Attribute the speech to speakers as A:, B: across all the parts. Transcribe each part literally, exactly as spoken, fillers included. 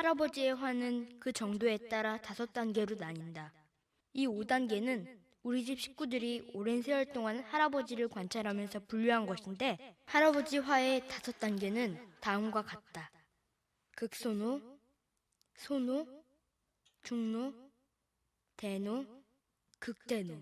A: 할아버지의 화는 그 정도에 따라 다섯 단계로 나뉜다. 이 오 단계는 우리 집 식구들이 오랜 세월 동안 할아버지를 관찰하면서 분류한 것인데, 할아버지 화의 다섯 단계는 다음과 같다. 극소노, 소노, 중노, 대노, 극대노.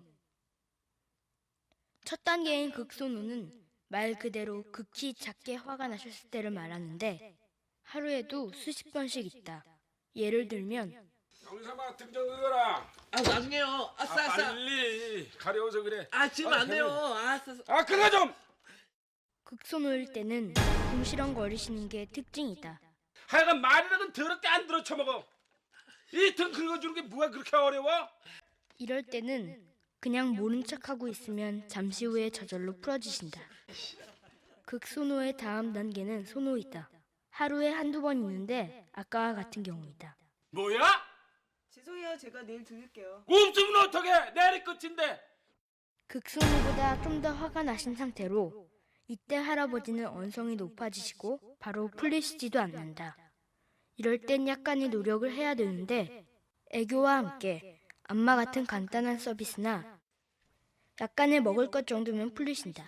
A: 첫 단계인 극소노는 말 그대로 극히 작게 화가 나셨을 때를 말하는데, 하루에도 수십 번씩 있다. 예를 들면
B: 영삼아 등장 넣어라.
C: 아 나중에요. 아싸
B: 아,
C: 아싸.
B: 빨리 가려워서 그래.
C: 아 지금
B: 아,
C: 안 돼요.
B: 그래.
C: 아싸. 아싸.
B: 아 그거 좀.
A: 극소노일 때는 궁시렁거리시는 게 특징이다.
B: 하여간 말이라도 더럽게 안 들어 쳐먹어. 이 등 긁어주는 게 뭐가 그렇게 어려워?
A: 이럴 때는 그냥 모른 척하고 있으면 잠시 후에 저절로 풀어지신다. 극소노의 다음 단계는 소노이다. 하루에 한두 번 있는데 아까와 같은 경우이다.
B: 뭐야?
D: 죄송해요. 제가 내일 드릴게요.
B: 없으면 어떡해? 내일 끝인데.
A: 극소노보다 좀 더 화가 나신 상태로 이때 할아버지는 언성이 높아지시고 바로 풀리시지도 않는다. 이럴 땐 약간의 노력을 해야 되는데, 애교와 함께 안마 같은 간단한 서비스나 약간의 먹을 것 정도면 풀리신다.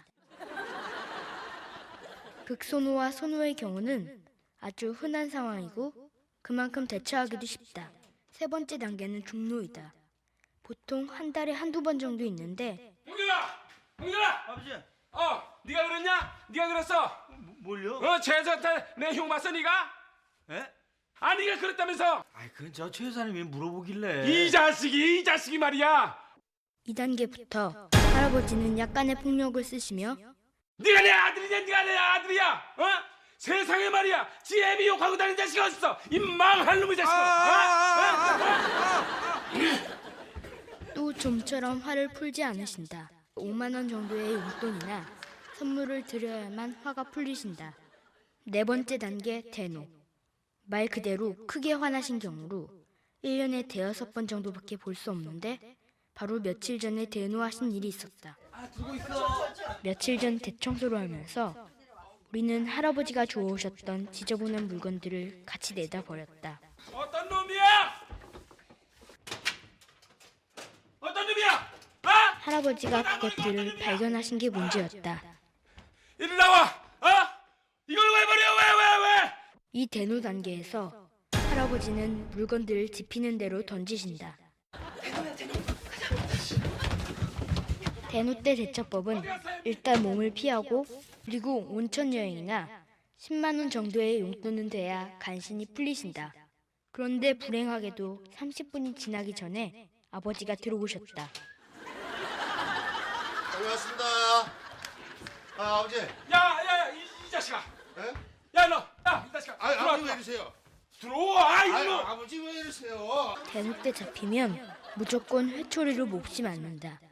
A: 극소노와 소노의 경우는 아주 흔한 상황이고 그만큼 대처하기도 쉽다. 세 번째 단계는 중노이다. 보통 한 달에 한두 번 정도 있는데,
B: 홍준아, 홍준아.
C: 아버지.
B: 어, 네가 그랬냐? 네가 그랬어.
C: 뭐, 뭘요?
B: 어, 최여사한테 내 흉 봤어, 네가?
C: 에?
B: 아, 네가 그랬다면서?
C: 아이 그건 저 최 여사님이 물어보길래.
B: 이 자식이, 이 자식이 말이야.
A: 이 단계부터 할아버지는 약간의 폭력을 쓰시며
B: 네가 내 아들이냐? 네가 내 아들이야? 어? 세상에 말이야. 지 애비 욕하고 다니는 자식이 어딨어? 이 망할 놈의 자식아.
A: 또 좀처럼 화를 풀지 않으신다. 오만 원 정도의 용돈이나 선물을 드려야만 화가 풀리신다. 네 번째 단계 대노. 말 그대로 크게 화나신 경우로 일 년에 대여섯 번 정도밖에 볼 수 없는데, 바로 며칠 전에 대노하신 일이 있었다.
C: 아 들고 있어.
A: 며칠 전 대청소를 하면서 우리는 할아버지가 주워오셨던 지저분한 물건들을 같이 내다 버렸다.
B: 어떤 놈이야? 어떤 놈이야? 어?
A: 할아버지가 그것들을 발견하신 게 문제였다.
B: 이리 나와. 어? 이걸 왜 버려? 왜 왜 왜?
A: 이 대노 단계에서 할아버지는 물건들을 집히는 대로 던지신다. 대노 때 대처법은 일단 몸을 피하고, 그리고 온천 여행이나 십만 원 정도의 용돈은 돼야 간신히 풀리신다. 그런데 불행하게도 삼십 분이 지나기 전에 아버지가 들어오셨다.
E: 다녀왔습니다. 아, 아버지.
B: 야, 야, 야, 이, 이 자식아.
E: 예?
B: 야, 너. 야, 이 자식아.
E: 아,
B: 들어와,
E: 아버지 왜
B: 들어와.
E: 이러세요?
B: 들어와,
E: 아,
B: 이놈.
E: 아버지 왜 이러세요?
A: 대노 때 잡히면 무조건 회초리로 몹시 맞는다.